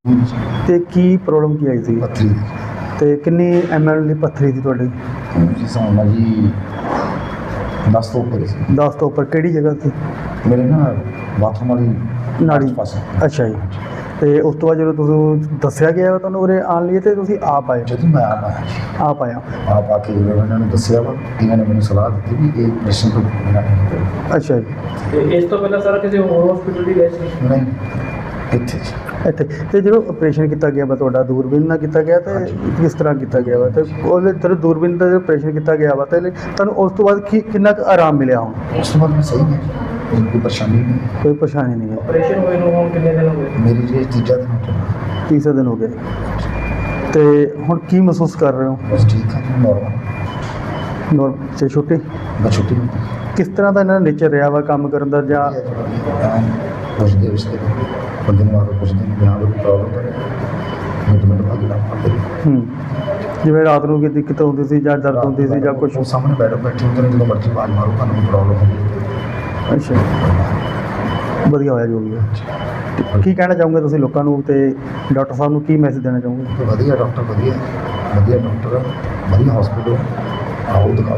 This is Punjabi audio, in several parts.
ਤੇ ਕੀ ਪ੍ਰੋਬਲਮ ਕੀ ਆਈ ਸੀ ਪੱਥਰੀ ਤੇ ਕਿੰਨੀ ml ਦੀ ਪੱਥਰੀ ਸੀ ਤੁਹਾਡੀ? ਜੀ ਸਮਝਣਾ ਜੀ 10 ਤੋਂ ਉੱਪਰ ਸੀ 10 ਤੋਂ ਉੱਪਰ। ਕਿਹੜੀ ਜਗ੍ਹਾ ਸੀ? ਮੇਰੇ ਨਾ ਬਾਥਰੂਮ ਵਾਲੀ ਨਾੜੀ ਪਾਸੇ। ਅੱਛਾ ਜੀ। ਤੇ ਉਸ ਤੋਂ ਬਾਅਦ ਜਦੋਂ ਤੁਸੀਂ ਦੱਸਿਆ ਗਿਆ ਤੁਹਾਨੂੰ ਉਰੇ ਆਉਣ ਲਈ ਤੇ ਤੁਸੀਂ ਆਪ ਆਏ? ਜਦੋਂ ਮੈਂ ਆਪ ਆਇਆ ਜੀ, ਆਪ ਆਇਆ। ਆਪ ਆ ਕੇ ਜਦੋਂ ਇਹਨਾਂ ਨੂੰ ਦੱਸਿਆ ਵਾ, ਇਹਨਾਂ ਨੇ ਮੈਨੂੰ ਸਲਾਹ ਦਿੱਤੀ ਵੀ ਇਹ ਆਪਰੇਸ਼ਨ ਤੋਂ ਬਿਨਾਂ ਨਹੀਂ ਹੋਵੇਗਾ। ਅੱਛਾ ਜੀ। ਤੇ ਇਸ ਤੋਂ ਪਹਿਲਾਂ ਸਾਰਾ ਕਿਸੇ ਹੋਰ ਹਸਪੀਟਲ ਦੀ ਗਏ ਸੀ? ਨਹੀਂ, ਇੱਥੇ ਜੀ। ਇੱਥੇ ਤੇ ਜਦੋਂ ਆਪਰੇਸ਼ਨ ਕੀਤਾ ਗਿਆ ਵਾ ਤੁਹਾਡਾ ਦੂਰਬੀਨ ਨਾਲ ਕੀਤਾ ਗਿਆ ਤੇ ਕਿਸ ਤਰ੍ਹਾਂ ਕੀਤਾ ਗਿਆ ਵਾ ਤੇ ਉਹਦੇ ਜਦੋਂ ਦੂਰਬੀਨ ਦਾ ਆਪਰੇਸ਼ਨ ਕੀਤਾ ਗਿਆ ਵਾ ਤੇ ਤੁਹਾਨੂੰ ਉਸ ਤੋਂ ਬਾਅਦ ਕਿੰਨਾ ਕੁ ਆਰਾਮ ਮਿਲਿਆ? ਹੁਣ ਉਸ ਤੋਂ ਬਾਅਦ ਮੈਂ ਸਹੀ ਹੈ, ਮੈਨੂੰ ਕੋਈ ਪਰੇਸ਼ਾਨੀ ਨਹੀਂ। ਕੋਈ ਪਰੇਸ਼ਾਨੀ ਨਹੀਂ ਹੈ? ਆਪਰੇਸ਼ਨ ਹੋਏ ਨੂੰ ਹੁਣ ਕਿੰਨੇ ਦਿਨ ਹੋ ਗਏ? ਮੇਰੀ ਜੀ ਤੀਜਾ ਦਿਨ ਹੋ ਗਿਆ। ਤੀਸਰਾ ਦਿਨ ਹੋ ਗਿਆ ਤੇ ਹੁਣ ਕੀ ਮਹਿਸੂਸ ਕਰ ਰਹੇ ਹੋ? ਬਸ ਠੀਕ ਹੈ ਜੀ, ਨੋਰਮਲ। ਤੇ ਛੁੱਟੀ ਮੈਂ ਛੁੱਟੀ ਨੂੰ ਕਿਸ ਤਰ੍ਹਾਂ ਦਾ ਇਹਨਾਂ ਦਾ ਨੇਚਰ ਰਿਹਾ ਵਾ ਕੰਮ ਕਰਨ ਦਾ ਜਾਂ ਪੁੱਛਦੇ ਉਸਦੇ ਬੰਦੇ ਨੂੰ ਆ ਕੇ ਪੁੱਛਦੇ ਨੇ ਬਿਨਾਂ ਕੋਈ ਪ੍ਰੋਬਲਮ ਕਰੇ ਮਿੰਟ ਬਾਅਦ ਨਾ ਪੜਦੇ। ਜਿਵੇਂ ਰਾਤ ਨੂੰ ਕੋਈ ਦਿੱਕਤ ਹੁੰਦੀ ਸੀ ਜਾਂ ਦਰਦ ਹੁੰਦੀ ਸੀ ਜਾਂ ਕੁਛ? ਉਹ ਸਾਹਮਣੇ ਬੈਠੇ ਹੁੰਦੇ ਨੇ, ਜਦੋਂ ਮਰਜ਼ੀ ਆਵਾਜ਼ ਮਾਰੋ ਤੁਹਾਨੂੰ ਕੋਈ ਪ੍ਰੋਬਲਮ ਹੁੰਦੀ ਅੱਛਾ, ਵਧੀਆ ਹੋਇਆ ਜੋ ਵੀ ਹੈ। ਕੀ ਕਹਿਣਾ ਚਾਹੋਗੇ ਤੁਸੀਂ ਲੋਕਾਂ ਨੂੰ ਤੇ ਡਾਕਟਰ ਸਾਹਿਬ ਨੂੰ ਕੀ ਮੈਸੇਜ ਦੇਣਾ ਚਾਹੋਗੇ? ਹੈ। ਵਧੀਆ ਡਾਕਟਰ, ਵਧੀਆ ਡਾਕਟਰ, ਵਧੀਆ ਹਸਪੀਟਲ, ਆਓ ਦਿਖਾਓ।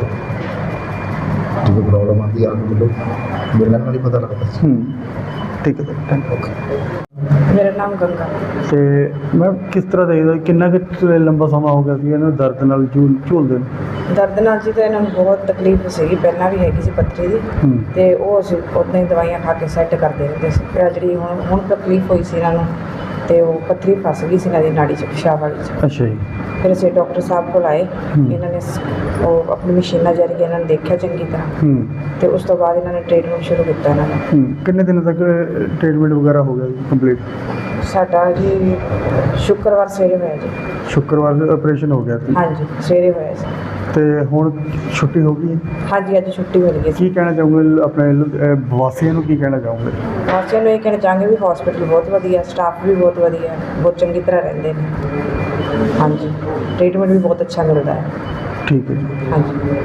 ਜਦੋਂ ਪ੍ਰੋਬਲਮ ਆਉਂਦੀ ਆ ਕੇ ਮਿਲੋ, ਮਿਲਣ ਨਾਲ ਹੀ ਪਤਾ ਲੱਗਦਾ ਸੀ। ਠੀਕ ਹੈ, ਥੈਂਕ ਯੂ। ਮੇਰਾ ਨਾਮ ਗੰਗਾ। ਤੇ ਮੈਂ ਕਿਸ ਤਰ੍ਹਾਂ ਦੇਖਦਾ ਕਿੰਨਾ ਕੁ ਲੰਬਾ ਸਮਾਂ ਹੋ ਗਿਆ ਸੀ ਇਹਨਾਂ ਨੂੰ ਦਰਦ ਨਾਲ ਝੂਲਦੇ ਨੂੰ? ਦਰਦ ਨਾਲ ਜੀ ਤਾਂ ਇਹਨਾਂ ਨੂੰ ਬਹੁਤ ਤਕਲੀਫ ਸੀਗੀ, ਪਹਿਲਾਂ ਵੀ ਹੈਗੀ ਸੀ ਪੱਥਰੀ ਦੀ ਤੇ ਉਹ ਅਸੀਂ ਉੱਦਾਂ ਹੀ ਦਵਾਈਆਂ ਖਾ ਕੇ ਸੈੱਟ ਕਰਦੇ ਰਹਿੰਦੇ ਸੀ। ਫਿਰ ਜਿਹੜੀ ਹੁਣ ਤਕਲੀਫ ਹੋਈ ਸੀ ਇਹਨਾਂ ਨੂੰ ਤੇ ਉਹ ਪੱਥਰੀ ਫਸ ਗਈ ਸੀ ਇਹਨਾਂ ਦੀ ਨਾੜੀ 'ਚ, ਪਿਸ਼ਾਬ ਵਾਲੀ 'ਚ। ਅੱਛਾ ਜੀ। ਫਿਰ ਅਸੀਂ ਡਾਕਟਰ ਸਾਹਿਬ ਕੋਲ ਆਏ, ਇਹਨਾਂ ਨੇ ਉਹ ਆਪਣੀ ਮਸ਼ੀਨਾਂ ਜ਼ਰੀਏ ਇਹਨਾਂ ਨੂੰ ਦੇਖਿਆ ਚੰਗੀ ਤਰ੍ਹਾਂ ਤੇ ਉਸ ਤੋਂ ਬਾਅਦ ਇਹਨਾਂ ਨੇ ਟ੍ਰੀਟਮੈਂਟ ਸ਼ੁਰੂ ਕੀਤਾ ਇਹਨਾਂ ਦਾ। ਕਿੰਨੇ ਦਿਨ ਤੱਕ ਟ੍ਰੀਟਮੈਂਟ ਵਗੈਰਾ ਹੋ ਗਿਆ ਜੀ ਕੰਪਲੀਟ? ਸਾਡਾ ਜੀ ਸ਼ੁੱਕਰਵਾਰ ਸਵੇਰੇ ਹੋਇਆ ਜੀ। ਸ਼ੁੱਕਰਵਾਰ ਆਪਰੇਸ਼ਨ ਹੋ ਗਿਆ ਸੀ? ਹਾਂਜੀ, ਸਵੇਰੇ ਹੋਇਆ ਸੀ। ਤੇ ਹੁਣ ਛੁੱਟੀ ਹੋ ਗਈ ਹੈ? ਹਾਂਜੀ, ਅੱਜ ਛੁੱਟੀ ਮਿਲ ਗਈ ਸੀ। ਕੀ ਕਹਿਣਾ ਚਾਹੋਗੇ ਆਪਣੇ ਵਾਸੀਆਂ ਨੂੰ, ਕੀ ਕਹਿਣਾ ਚਾਹੋਗੇ? ਵਾਸੀਆਂ ਨੂੰ ਇਹ ਕਹਿਣਾ ਚਾਹਾਂਗੇ ਵੀ ਹਸਪੀਟਲ ਬਹੁਤ ਵਧੀਆ, ਸਟਾਫ ਵੀ ਬਹੁਤ ਵਧੀਆ, ਬਹੁਤ ਚੰਗੀ ਤਰ੍ਹਾਂ ਰਹਿੰਦੇ ਨੇ। ਹਾਂਜੀ, ਟ੍ਰੀਟਮੈਂਟ ਵੀ ਬਹੁਤ ਅੱਛਾ ਮਿਲਦਾ ਹੈ। ਠੀਕ ਹੈ ਜੀ। ਹਾਂਜੀ।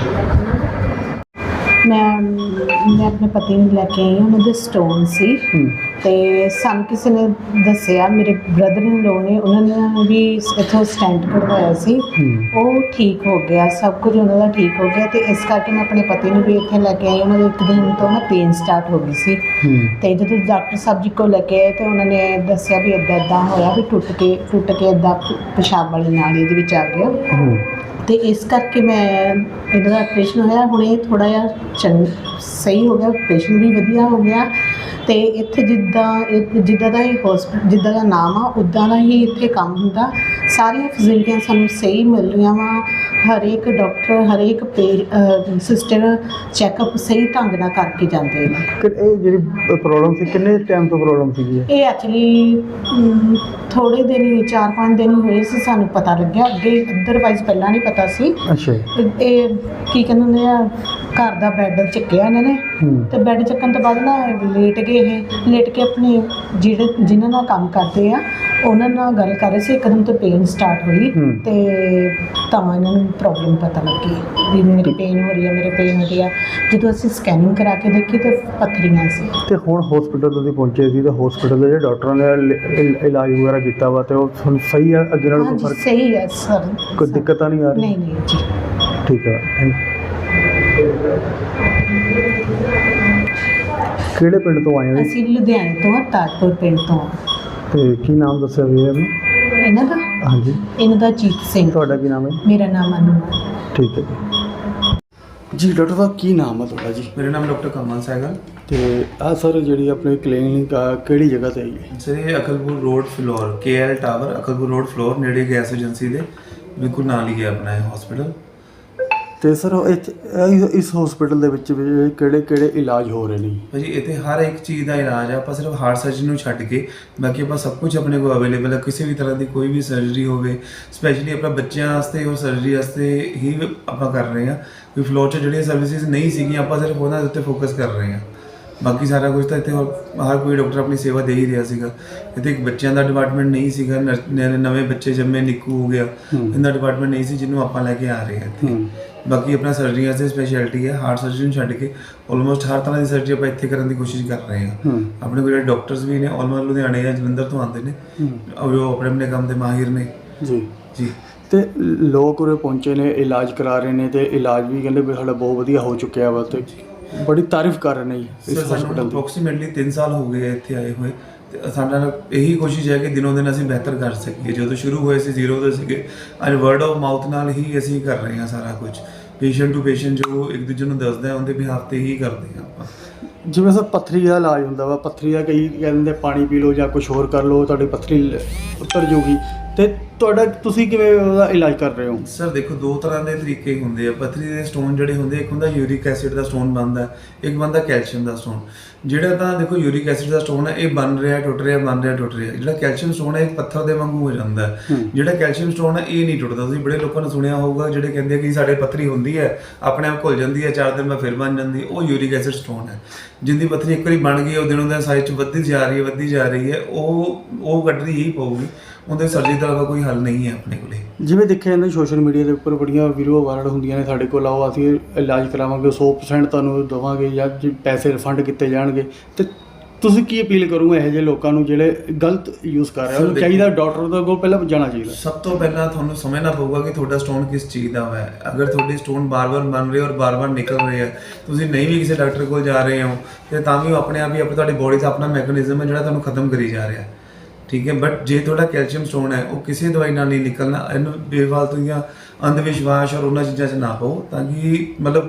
ਮੈਂ ਆਪਣੇ ਪਤੀ ਨੂੰ ਲੈ ਕੇ ਆਈ ਹਾਂ, ਉਹਨਾਂ ਦੇ ਸਟੋਨ ਸੀ ਤੇ ਸਾਨੂੰ ਕਿਸੇ ਨੇ ਦੱਸਿਆ, ਮੇਰੇ ਬ੍ਰਦਰ ਇਨ ਲੋ ਨੇ, ਉਹਨਾਂ ਨੇ ਵੀ ਇੱਥੋਂ ਸਟੈਂਟ ਕਢਵਾਇਆ ਸੀ, ਉਹ ਠੀਕ ਹੋ ਗਿਆ, ਸਭ ਕੁਝ ਉਹਨਾਂ ਦਾ ਠੀਕ ਹੋ ਗਿਆ। ਤੇ ਇਸ ਕਰਕੇ ਮੈਂ ਆਪਣੇ ਪਤੀ ਨੂੰ ਵੀ ਇੱਥੇ ਲੈ ਕੇ ਆਈ। ਉਹਨਾਂ ਦੇ ਇੱਕ ਦਿਨ ਤੋਂ ਨਾ ਪੇਨ ਸਟਾਰਟ ਹੋ ਗਈ ਸੀ ਤੇ ਜਦੋਂ ਡਾਕਟਰ ਸਾਹਿਬ ਜੀ ਕੋਲ ਲੈ ਕੇ ਆਏ ਤੇ ਉਹਨਾਂ ਨੇ ਦੱਸਿਆ ਵੀ ਇੱਦਾਂ ਹੋਇਆ ਵੀ ਟੁੱਟ ਕੇ ਇੱਦਾਂ ਪਿਸ਼ਾਬ ਵਾਲੀ ਨਾਲੀ ਦੇ ਵਿੱਚ ਆ ਗਿਆ ਤੇ ਇਸ ਕਰਕੇ ਮੈਂ ਇਹਨਾਂ ਦਾ ਆਪਰੇਸ਼ਨ ਹੋਇਆ। ਹੁਣ ਇਹ ਥੋੜ੍ਹਾ ਜਿਹਾ ਸਹੀ ਹੋ ਗਿਆ, ਆਪਰੇਸ਼ਨ ਵੀ ਵਧੀਆ ਹੋ ਗਿਆ ਤੇ ਇੱਥੇ ਜਿੱਦਾਂ ਦਾ ਇਹ ਹੌਸਪੀਟਲ, ਜਿੱਦਾਂ ਦਾ ਨਾਮ ਆ ਉੱਦਾਂ ਦਾ ਹੀ ਇੱਥੇ ਕੰਮ ਹੁੰਦਾ। ਸਾਰੀਆਂ ਫੈਸਿਲਿਟੀਆਂ ਸਾਨੂੰ ਸਹੀ ਮਿਲ ਰਹੀਆਂ ਵਾ। ਹਰੇਕ ਡਾਕਟਰ, ਹਰੇਕ ਸਿਸਟਰ ਚੈੱਕਅਪ ਸਹੀ ਢੰਗ ਨਾਲ ਕਰਕੇ ਜਾਂਦੇ ਨੇ। ਇਹ ਜਿਹੜੀ ਪ੍ਰੋਬਲਮ ਸੀ ਕਿੰਨੇ ਟਾਈਮ ਤੋਂ ਪ੍ਰੋਬਲਮ ਸੀਗੀ? ਇਹ ਐਕਚੁਅਲੀ ਥੋੜ੍ਹੇ ਦਿਨ ਹੀ, 4-5 ਦਿਨ ਹੀ ਹੋਏ ਸੀ ਸਾਨੂੰ ਪਤਾ ਲੱਗਿਆ, ਅੱਗੇ ਅਦਰਵਾਈਜ਼ ਪਹਿਲਾਂ ਨਹੀਂ ਪਤਾ ਸੀ। ਅੱਛਾ। ਇਹ ਕੀ ਕਹਿੰਦੇ ਹੁੰਦੇ ਆ, ਘਰ ਦਾ ਬੈੱਡ ਚੱਕਿਆ ਇਹਨਾਂ ਨੇ ਤੇ ਬੈੱਡ ਚੱਕਣ ਤੋਂ ਬਾਅਦ ਨਾ ਲੇਟ ਗਏ। ਇਹ ਲੇਟ ਕੇ ਆਪਣੇ ਜਿਨ੍ਹਾਂ ਨਾਲ ਕੰਮ ਕਰਦੇ ਆ ਉਹਨਾਂ ਨਾਲ ਗੱਲ ਕਰ ਰਹੇ ਸੀ, ਇੱਕਦਮ ਤੋਂ ਪੇਨ ਸਟਾਰਟ ਹੋਈ ਤੇ ਤਾਂ ਇਹਨਾਂ ਨੂੰ ਪ੍ਰੋਬਲਮ ਪਤਾ ਲੱਗੀ ਵੀ ਮੇਰੀ ਪੇਨ ਹੋ ਰਹੀ ਹੈ। ਜਦੋਂ ਅਸੀਂ ਸਕੈਨਿੰਗ ਕਰਾ ਕੇ ਦੇਖੀ ਤਾਂ ਪੱਥਰੀਆਂ ਸੀ। ਤੇ ਹੁਣ ਹਸਪੀਟਲ ਤੁਸੀਂ ਪਹੁੰਚੇ ਸੀ ਤੇ ਹਸਪੀਟਲ ਦੇ ਜਿਹੜੇ ਡਾਕਟਰਾਂ ਨੇ ਇਲਾਜ ਵਗੈਰਾ ਕੀਤਾ ਵਾ ਤੇ ਉਹ ਤੁਹਾਨੂੰ ਸਹੀ ਆ? ਅੱਗੇ ਨਾਲੋਂ ਕੋਈ ਫਰਕ? ਸਹੀ ਹੈ ਸਰ, ਕੋਈ ਦਿੱਕਤ ਤਾਂ ਨਹੀਂ ਆ ਰਹੀ? ਨਹੀਂ ਜੀ। ਠੀਕ ਹੈ। ਕਿਹੜੇ ਪਿੰਡ ਤੋਂ ਆਏ ਹੋ? ਅਸੀਂ ਲੁਧਿਆਣੇ ਤੋਂ, ਤਾਜਪੁਰ ਪਿੰਡ ਤੋਂ। ਤੇ ਕੀ ਨਾਮ ਦੱਸਿਆ ਵੀ ਇਹਨੂੰ? ਇਹਨਾਂ ਦਾ? ਹਾਂਜੀ। ਇਹਨਾਂ ਦਾ ਜੀਤ ਸਿੰਘ। ਤੁਹਾਡਾ ਕੀ ਨਾਮ ਹੈ? ਮੇਰਾ ਨਾਮ ਅਨੂ ਹੈ। ਠੀਕ ਹੈ ਜੀ। ਡਾਕਟਰ ਸਾਹਿਬ ਕੀ ਨਾਮ ਹੈ ਤੁਹਾਡਾ ਜੀ? ਮੇਰਾ ਨਾਮ ਡਾਕਟਰ ਕਮਲ ਸਹਿਗਲ। ਤੇ ਆਹ ਸਰ ਜਿਹੜੀ ਆਪਣੀ ਕਲੀਨਿਕ ਕਿਹੜੀ ਜਗ੍ਹਾ ਤੇ ਹੈ? ਸਰ ਇਹ Akalpur road Phillaur, KL tower, Akalpur road Phillaur ਨੇੜੇ ਗੈਸ ਏਜੰਸੀ ਦੇ ਬਿਲਕੁਲ ਨਾਲ ਹੀ ਹੈ ਆਪਣਾ ਇਹ ਹਸਪੀਟਲ। ਤੇ ਸਰ ਇਸ ਹਸਪੀਟਲ ਦੇ ਵਿੱਚ ਕਿਹੜੇ ਇਲਾਜ ਹੋ ਰਹੇ ਨੇ? ਭਾਜੀ ਇੱਥੇ ਹਰ ਇੱਕ ਚੀਜ਼ ਦਾ ਇਲਾਜ ਆ, ਆਪਾਂ ਸਿਰਫ ਹਾਰਟ ਸਰਜਰੀ ਨੂੰ ਛੱਡ ਕੇ ਬਾਕੀ ਆਪਾਂ ਸਭ ਕੁਝ ਆਪਣੇ ਕੋਲ ਅਵੇਲੇਬਲ ਹੈ। ਕਿਸੇ ਵੀ ਤਰ੍ਹਾਂ ਦੀ ਕੋਈ ਵੀ ਸਰਜਰੀ ਹੋਵੇ, ਸਪੈਸ਼ਲੀ ਆਪਣਾ ਬੱਚਿਆਂ ਵਾਸਤੇ ਉਹ ਸਰਜਰੀ ਵਾਸਤੇ ਹੀ ਆਪਾਂ ਕਰ ਰਹੇ ਹਾਂ। ਕੋਈ ਫਲੋਰ 'ਚ ਜਿਹੜੀਆਂ ਸਰਵਿਸਿਜ਼ ਨਹੀਂ ਸੀਗੀਆਂ ਆਪਾਂ ਸਿਰਫ ਉਹਨਾਂ ਦੇ ਉੱਤੇ ਫੋਕਸ ਕਰ ਰਹੇ ਹਾਂ। ਬਾਕੀ ਸਾਰਾ ਕੁਝ ਤਾਂ ਇੱਥੇ ਹਰ ਕੋਈ ਡਾਕਟਰ ਆਪਣੀ ਸੇਵਾ ਦੇ ਹੀ ਰਿਹਾ ਸੀਗਾ। ਇੱਥੇ ਇੱਕ ਬੱਚਿਆਂ ਦਾ ਡਿਪਾਰਟਮੈਂਟ ਨਹੀਂ ਸੀਗਾ, ਨਵੇਂ ਬੱਚੇ ਜੰਮੇ, ਨਿੱਕੂ ਹੋ ਗਿਆ, ਇਹਦਾ ਡਿਪਾਰਟਮੈਂਟ ਨਹੀਂ ਸੀ ਜਿਹਨੂੰ ਆਪਾਂ ਲੈ ਕੇ ਆ ਰਹੇ ਹਾਂ ਇੱਥੇ। ਬਾਕੀ ਆਪਣਾ ਸਰਜਰੀਆਂ ਦੀ ਸਪੈਸ਼ਲਿਟੀ ਹੈ, ਹਾਰਟ ਸਰਜਰੀ ਨੂੰ ਛੱਡ ਕੇ ਆਲਮੋਸਟ ਹਰ ਤਰ੍ਹਾਂ ਦੀ ਸਰਜਰੀ ਆਪਾਂ ਇੱਥੇ ਕਰਨ ਦੀ ਕੋਸ਼ਿਸ਼ ਕਰ ਰਹੇ ਹਾਂ। ਆਪਣੇ ਕੋਲ ਜਿਹੜੇ ਡਾਕਟਰਸ ਵੀ ਨੇ ਆਲਮੋਸਟ ਲੁਧਿਆਣੇ ਜਾਂ ਜਲੰਧਰ ਤੋਂ ਆਉਂਦੇ ਨੇ, ਔਰ ਉਹ ਆਪਣੇ ਆਪਣੇ ਕੰਮ ਦੇ ਮਾਹਿਰ ਨੇ ਜੀ ਜੀ। ਤੇ ਲੋਕ ਉਰੇ ਪਹੁੰਚੇ ਨੇ, ਇਲਾਜ ਕਰਾ ਰਹੇ ਨੇ, ਤੇ ਇਲਾਜ ਵੀ ਕਹਿੰਦੇ ਵੀ ਸਾਡਾ ਬਹੁਤ ਵਧੀਆ ਹੋ ਚੁੱਕਿਆ ਵਾ, ਤੇ ਬੜੀ ਤਾਰੀਫ ਕਰ ਰਹੇ ਨੇ ਜੀ ਇਸ ਸਾਨੂੰ ਹਸਪੀਟਲ ਦੀ। ਅਪਰੋਕਸੀਮੇਟਲੀ 3 ਸਾਲ ਹੋ ਗਏ ਇੱਥੇ ਆਏ ਹੋਏ, ਤੇ ਸਾਡਾ ਇਹੀ ਕੋਸ਼ਿਸ਼ ਹੈ ਕਿ ਦਿਨੋਂ ਦਿਨ ਅਸੀਂ ਬਿਹਤਰ ਕਰ ਸਕੀਏ। ਜਦੋਂ ਸ਼ੁਰੂ ਹੋਏ ਸੀ 0 ਤੋਂ ਸੀਗੇ, ਅੱਜ ਵਰਡ ਆਫ ਮਾਊਥ ਨਾਲ ਹੀ ਅਸੀਂ ਕਰ ਰਹੇ ਹਾਂ ਸਾਰਾ ਕੁਝ। ਪੇਸ਼ੈਂਟ ਟੂ ਪੇਸ਼ੈਂਟ ਜੋ ਇੱਕ ਦੂਜੇ ਨੂੰ ਦੱਸਦਾ ਹੈ ਉਹਦੇ ਬਿਹਾਫ ਤੇ ਹੀ ਕਰਦੇ ਹਾਂ ਆਪਾਂ। ਜਿਵੇਂ ਸਰ ਪੱਥਰੀ ਦਾ ਇਲਾਜ ਹੁੰਦਾ ਵਾ, ਪੱਥਰੀ ਦਾ ਕਈ ਕਹਿੰਦੇ ਪਾਣੀ ਪੀ ਲਓ ਜਾਂ ਕੁਝ ਹੋਰ ਕਰ ਲਓ, ਤੁਹਾਡੀ ਪੱਥਰੀ ਉਤਰ ਜਾਊਗੀ, ਤੇ ਤੁਹਾਡਾ ਤੁਸੀਂ ਕਿਵੇਂ ਉਹਦਾ ਇਲਾਜ ਕਰ ਰਹੇ ਹੋ? ਸਰ ਦੇਖੋ, 2 ਤਰ੍ਹਾਂ ਦੇ ਤਰੀਕੇ ਹੁੰਦੇ ਆ ਪੱਥਰੀ ਦੇ ਸਟੋਨ ਜਿਹੜੇ ਹੁੰਦੇ। ਇੱਕ ਹੁੰਦਾ ਯੂਰਿਕ ਐਸਿਡ ਦਾ ਸਟੋਨ ਬਣਦਾ, ਇੱਕ ਬਣਦਾ ਕੈਲਸ਼ੀਅਮ ਦਾ ਸਟੋਨ। ਜਿਹੜਾ ਤਾਂ ਦੇਖੋ ਯੂਰਿਕ ਐਸਿਡ ਦਾ ਸਟੋਨ ਹੈ, ਇਹ ਬਣ ਰਿਹਾ ਟੁੱਟ ਰਿਹਾ, ਬਣ ਰਿਹਾ ਟੁੱਟ ਰਿਹਾ। ਜਿਹੜਾ ਕੈਲਸ਼ੀਅਮ ਸਟੋਨ ਹੈ ਇਹ ਪੱਥਰ ਦੇ ਵਾਂਗੂ ਹੋ ਜਾਂਦਾ ਹੈ। ਜਿਹੜਾ ਕੈਲਸ਼ੀਅਮ ਸਟੋਨ ਹੈ ਇਹ ਨਹੀਂ ਟੁੱਟਦਾ। ਤੁਸੀਂ ਬੜੇ ਲੋਕਾਂ ਨੇ ਸੁਣਿਆ ਹੋਊਗਾ ਜਿਹੜੇ ਕਹਿੰਦੇ ਕਿ ਸਾਡੇ ਪੱਥਰੀ ਹੁੰਦੀ ਹੈ ਆਪਣੇ ਆਪ ਘੁਲ ਜਾਂਦੀ ਹੈ, 4 ਦਿਨ ਬਾਅਦ ਫਿਰ ਬਣ ਜਾਂਦੀ ਹੈ, ਉਹ ਯੂਰਿਕ ਐਸਿਡ ਸਟੋਨ ਹੈ। ਜਿੰਦੀ ਪੱਥਰੀ ਇੱਕ ਵਾਰੀ ਬਣ ਗਈ, ਉਹ ਦਿਨੋਂ ਦਿਨ ਸਾਈਜ਼ 'ਚ ਵੱਧਦੀ ਜਾ ਰਹੀ ਹੈ, ਉਹ ਕੱਢਣੀ ਹੀ ਪਊਗੀ। ਉਹਦੇ ਸਰਜਰੀ ਦਾ ਕੋਈ ਹੱਲ ਨਹੀਂ ਹੈ ਆਪਣੇ ਕੋਲੇ। ਜਿਵੇਂ ਦੇਖਿਆ ਜਾਂਦਾ ਸੋਸ਼ਲ ਮੀਡੀਆ ਦੇ ਉੱਪਰ ਬੜੀਆਂ ਵੀਡੀਓ ਵਾਇਰਲ ਹੁੰਦੀਆਂ ਨੇ, ਸਾਡੇ ਕੋਲ ਆਓ ਅਸੀਂ ਇਲਾਜ ਕਰਾਵਾਂਗੇ, 100% ਤੁਹਾਨੂੰ ਦੇਵਾਂਗੇ ਜਾਂ ਪੈਸੇ ਰਿਫੰਡ ਕੀਤੇ ਜਾਣਗੇ। ਤੇ ਤੁਸੀਂ ਕੀ ਅਪੀਲ ਕਰੋਗੇ ਇਹੋ ਜਿਹੇ ਲੋਕਾਂ ਨੂੰ ਜਿਹੜੇ ਗਲਤ ਯੂਜ਼ ਕਰ ਰਹੇ? ਉਹਨੂੰ ਚਾਹੀਦਾ ਡਾਕਟਰ ਦੇ ਕੋਲ ਪਹਿਲਾਂ ਜਾਣਾ ਚਾਹੀਦਾ। ਸਭ ਤੋਂ ਪਹਿਲਾਂ ਤੁਹਾਨੂੰ ਸਮਝਣਾ ਪਊਗਾ ਕਿ ਤੁਹਾਡਾ ਸਟੋਨ ਕਿਸ ਚੀਜ਼ ਦਾ ਹੈ। ਅਗਰ ਤੁਹਾਡੇ ਸਟੋਨ ਬਾਰ-ਬਾਰ ਬਣ ਰਹੇ ਔਰ ਬਾਰ-ਬਾਰ ਨਿਕਲ ਰਹੇ ਆ, ਤੁਸੀਂ ਨਹੀਂ ਵੀ ਕਿਸੇ ਡਾਕਟਰ ਕੋਲ ਜਾ ਰਹੇ ਹੋ, ਤੇ ਤਾਂ ਵੀ ਉਹ ਆਪਣੇ ਆਪ ਹੀ ਤੁਹਾਡੀ ਬੋਡੀ ਦਾ ਆਪਣਾ ਮੈਕੈਨਿਜ਼ਮ ਹੈ ਜਿਹੜਾ ਤੁਹਾਨੂੰ ਖਤਮ ਕਰੀ ਜਾ ਰਿਹਾ, ਠੀਕ ਹੈ। ਬਟ ਜੇ ਤੁਹਾਡਾ ਕੈਲਸ਼ੀਅਮ ਸਟੋਨ ਹੈ, ਉਹ ਕਿਸੇ ਦਵਾਈ ਨਾਲ ਨਹੀਂ ਨਿਕਲਣਾ। ਇਹਨੂੰ ਬੇਫਾਲਤੂ ਦੀਆਂ ਅੰਧ ਵਿਸ਼ਵਾਸ ਔਰ ਉਹਨਾਂ ਚੀਜ਼ਾਂ 'ਚ ਨਾ ਪਾਓ, ਤਾਂ ਕਿ ਮਤਲਬ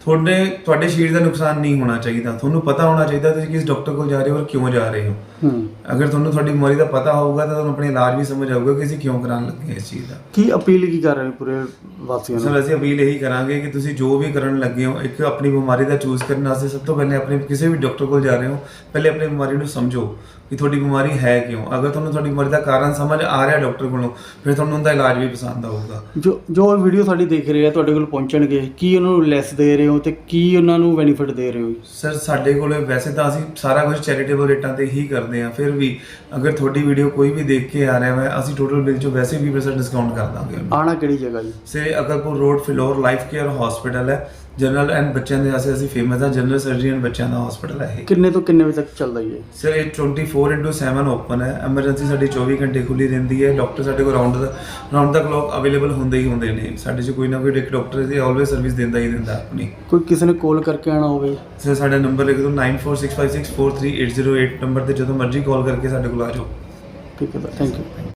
ਤੁਹਾਡੇ ਸਰੀਰ ਦਾ ਨੁਕਸਾਨ ਨਹੀਂ ਹੋਣਾ ਚਾਹੀਦਾ। ਤੁਹਾਨੂੰ ਪਤਾ ਹੋਣਾ ਚਾਹੀਦਾ ਤੁਸੀਂ ਕਿਸ ਡਾਕਟਰ ਕੋਲ ਜਾ ਰਹੇ ਹੋ ਔਰ ਕਿਉਂ ਜਾ ਰਹੇ ਹੋ। ਅਗਰ ਤੁਹਾਨੂੰ ਤੁਹਾਡੀ ਬਿਮਾਰੀ ਦਾ ਪਤਾ ਹੋਊਗਾ ਤਾਂ ਤੁਹਾਨੂੰ ਆਪਣੇ ਇਲਾਜ ਵੀ ਸਮਝ ਆਊਗਾ ਕਿ ਅਸੀਂ ਕਿਉਂ ਕਰਾਉਣ ਲੱਗੇ ਇਸ ਚੀਜ਼ ਦਾ। ਕੀ ਅਪੀਲ ਕੀ ਕਰ ਰਹੇ ਪੂਰੇ ਵਾਸੀਆਂ ਨੂੰ? ਸਰ ਅਸੀਂ ਅਪੀਲ ਇਹੀ ਕਰਾਂਗੇ ਕਿ ਤੁਸੀਂ ਜੋ ਵੀ ਕਰਨ ਲੱਗੇ ਹੋ, ਇੱਕ ਆਪਣੀ ਬਿਮਾਰੀ ਦਾ ਚੂਜ਼ ਕਰਨ ਵਾਸਤੇ ਸਭ ਤੋਂ ਪਹਿਲੇ ਆਪਣੇ ਕਿਸੇ ਵੀ ਡਾਕਟਰ ਕੋਲ ਜਾ ਰਹੇ ਹੋ, ਪਹਿਲੇ ਆਪਣੀ ਬਿਮਾਰੀ ਨੂੰ ਸਮਝੋ ਕਿ ਤੁਹਾਡੀ ਬਿਮਾਰੀ ਹੈ ਕਿਉਂ। ਅਗਰ ਤੁਹਾਨੂੰ ਤੁਹਾਡੀ ਬਿਮਾਰੀ ਦਾ ਕਾਰਨ ਸਮਝ ਆ ਰਿਹਾ ਡਾਕਟਰ ਕੋਲੋਂ, ਫਿਰ ਤੁਹਾਨੂੰ ਉਹਦਾ ਇਲਾਜ ਵੀ ਪਸੰਦ ਆਊਗਾ। ਜੋ ਵੀਡੀਓ ਸਾਡੀ ਦੇਖ ਰਹੇ ਆ, ਤੁਹਾਡੇ ਕੋਲ ਪਹੁੰਚਣਗੇ, ਕੀ ਉਹਨਾਂ ਨੂੰ ਲੈਸ ਦੇ ਰਹੇ ਹੋ ਤੇ ਕੀ ਉਹਨਾਂ ਨੂੰ ਬੈਨੀਫਿਟ ਦੇ ਰਹੇ ਹੋ? ਸਰ ਸਾਡੇ ਕੋਲ ਵੈਸੇ ਤਾਂ ਅਸੀਂ ਸਾਰਾ ਕੁਝ ਚੈਰੀਟੇਬਲ ਰੇਟਾਂ ਤੇ ਹੀ ਕਰਦੇ ਹਾਂ, ਫਿਰ ਵੀ ਅਗਰ ਤੁਹਾਡੀ ਵੀਡੀਓ ਕੋਈ ਵੀ ਦੇਖ ਕੇ ਆ ਰਿਹਾ ਹੈ, ਅਸੀਂ ਟੋਟਲ ਬਿੱਲ 'ਚੋਂ ਵੈਸੇ 20% ਡਿਸਕਾਊਂਟ ਕਰ ਦਾਂਗੇ। ਆਣਾ ਕਿਹੜੀ ਜਗ੍ਹਾ ਜੀ? ਸੇ Akalpur road, Phillaur life care hospital ਹੈ। ਜਨਰਲ ਐਂਡ ਬੱਚਿਆਂ ਦੇ ਵਾਸਤੇ ਅਸੀਂ ਫੇਮਸ ਹਾਂ। ਜਨਰਲ ਸਰਜਰੀ ਐਂਡ ਬੱਚਿਆਂ ਦਾ ਹਸਪੀਟਲ ਹੈ ਇਹ। ਕਿੰਨੇ ਤੋਂ ਕਿੰਨੇ ਵਜੇ ਤੱਕ ਚੱਲਦਾ ਜੀ? ਸਰ ਇਹ 24/7 ਓਪਨ ਹੈ। ਐਮਰਜੈਂਸੀ ਸਾਡੀ 24 ਘੰਟੇ ਖੁੱਲੀ ਰਹਿੰਦੀ ਹੈ। ਡਾਕਟਰ ਸਾਡੇ ਕੋਲ ਰਾਉਂਡ ਦਾ ਕਲੌਕ ਅਵੇਲੇਬਲ ਹੁੰਦੇ ਹੀ ਹੁੰਦੇ ਨੇ। ਸਾਡੇ 'ਚ ਕੋਈ ਨਾ ਕੋਈ ਇੱਕ ਡਾਕਟਰ ਇਹਦੀ ਆਲਵੇਜ਼ ਸਰਵਿਸ ਦਿੰਦਾ ਹੀ ਦਿੰਦਾ ਆਪਣੀ। ਕੋਈ ਕਿਸੇ ਨੇ ਕਾਲ ਕਰਕੇ ਆਣਾ ਹੋਵੇ? ਸਰ ਸਾਡਾ ਨੰਬਰ ਲਿਖ ਦਿਓ 9465643808 ਨੰਬਰ ਤੇ ਜਦੋਂ ਮਰਜ਼ੀ ਕਾਲ ਕਰਕੇ ਸਾਡੇ ਕੋਲ ਆ ਜਾਓ। ਠੀਕ ਹੈ, ਥੈਂਕ ਯੂ।